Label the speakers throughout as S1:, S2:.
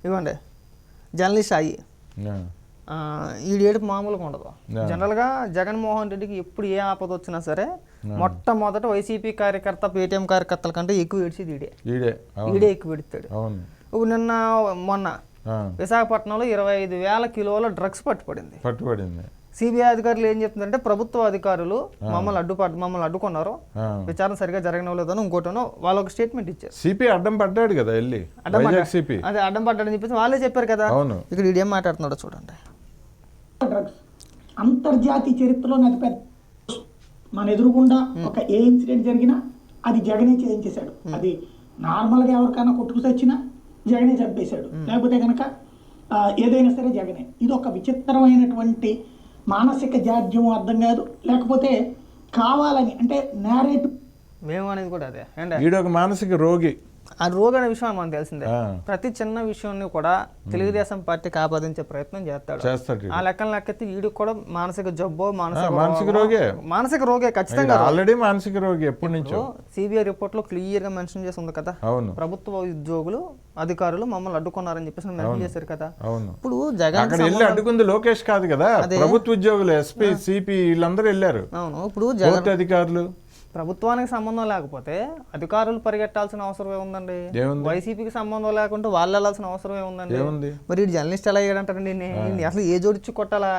S1: ఇవ్వండి జర్నలిస్ట్ అయ్యి ఈ ఏడుపు మామూలుగా ఉండదు. జనరల్గా జగన్మోహన్ రెడ్డికి ఎప్పుడు ఏ ఆపద వచ్చినా సరే మొట్టమొదట వైసీపీ కార్యకర్త పేటీఎం కార్యకర్తల కంటే ఎక్కువ ఏడ్చేది ఈడే ఎక్కువ పెడతాడు. ఇప్పుడు మొన్న విశాఖపట్నంలో 25,000 కిలోల డ్రగ్స్ పట్టుబడింది. సిబిఐ అధికారులు ఏం చెప్తున్నారంటే ప్రభుత్వ అధికారులు మమ్మల్ని అడ్డుకున్నారు, విచారణ సరిగా జరగనలేదని ఇంకోటనో వాళ్ళు ఒక స్టేట్మెంట్ ఇచ్చారు.
S2: సిపి అడ్డం పడ్డాడు కదా,
S1: అదే అడ్డం పడ్డాడని చెప్పేసి వాళ్ళే చెప్పారు కదా. ఇక్కడ ఇదేం మాట్లాడుతున్నాడో చూడండి.
S3: డ్రగ్స్ అంతర్జాతీయ చరిత్రలో అతిపెద్ద మన ఎదురుగుండా ఒక ఏ ఇన్సిడెంట్ జరిగినా అది జగనే చేయించేశాడు. అది నార్మల్గా ఎవరికైనా కొట్టుకు తెచ్చినా జగనే చంపేశాడు, లేకపోతే కనుక ఏదైనా సరే జగనే. ఇది ఒక విచిత్రమైనటువంటి మానసిక జాడ్యం అర్థం కాదు, లేకపోతే కావాలని అంటే నేరేటివ్
S1: మేము అనేది కూడా అదే.
S2: ఈడొక మానసిక రోగి.
S1: ఆ రోగి అనే విషయం మనకు తెలిసిందే. ప్రతి చిన్న విషయాన్ని కూడా తెలుగుదేశం పార్టీకి ఆపాదించే ప్రయత్నం చేస్తాడు. ఆ లెక్కెత్తి వీడికి కూడా మానసిక జబ్బో మానసిక రోగే ఖచ్చితంగా
S2: ఆల్రెడీ మానసిక రోగి ఎప్పటి నుంచో.
S1: సిబిఐ రిపోర్ట్ లో క్లియర్ గా మెన్షన్ చేసి ఉంది కదా, ప్రభుత్వ ఉద్యోగులు అధికారులు మమ్మల్ని అడ్డుకున్నారని చెప్పేసి మెన్షన్ చేశారు కదా. ఇప్పుడు జగన్
S2: అడ్డుకుంది లోకేష్ కాదు కదా, ప్రభుత్వ ఉద్యోగులు ఎస్పీ సిపి వీళ్ళందరూ వెళ్ళారు.
S1: అవును, ఇప్పుడు జగన్
S2: అధికారులు
S1: ప్రభుత్వానికి సంబంధం లేకపోతే అధికారులు పరిగెట్టాల్సిన అవసరం ఏముందండి? వైసీపీకి సంబంధం లేకుంటే వాళ్ళు వెళ్ళాల్సిన అవసరం ఏముందండి? మరి ఈ జర్నలిస్ట్ ఎలా అయ్యాడంటారండి? అసలు ఏ జోడిచ్చి కొట్టాలా?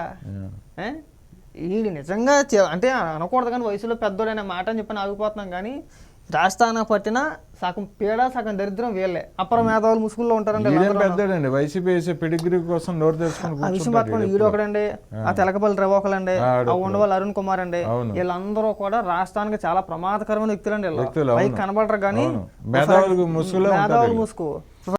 S1: ఈ నిజంగా అంటే అనకూడదు కానీ వయసులో పెద్దోడైన మాట అని చెప్పి ఆగిపోతున్నాం కానీ రాష్ట్రాన పట్టిన సగం పీడ సగం దరిద్రం వీళ్ళే. అపర మేధావులు ముసుగుల్లో ఉంటారండి.
S2: వైసీపీ పెడిగ్రీ కోసం నోరు తెచ్చుకుని
S1: ఈడు ఒకడండి, ఆ తెలకపల్లి రవి ఒకడండి, ఆ ఉండవల్లి అరుణ్ కుమార్ అండి, వీళ్ళందరూ కూడా రాష్ట్రానికి చాలా ప్రమాదకరమైన వ్యక్తులండి. పైకి కనబడరు కానీ మేధావులు ముసుగు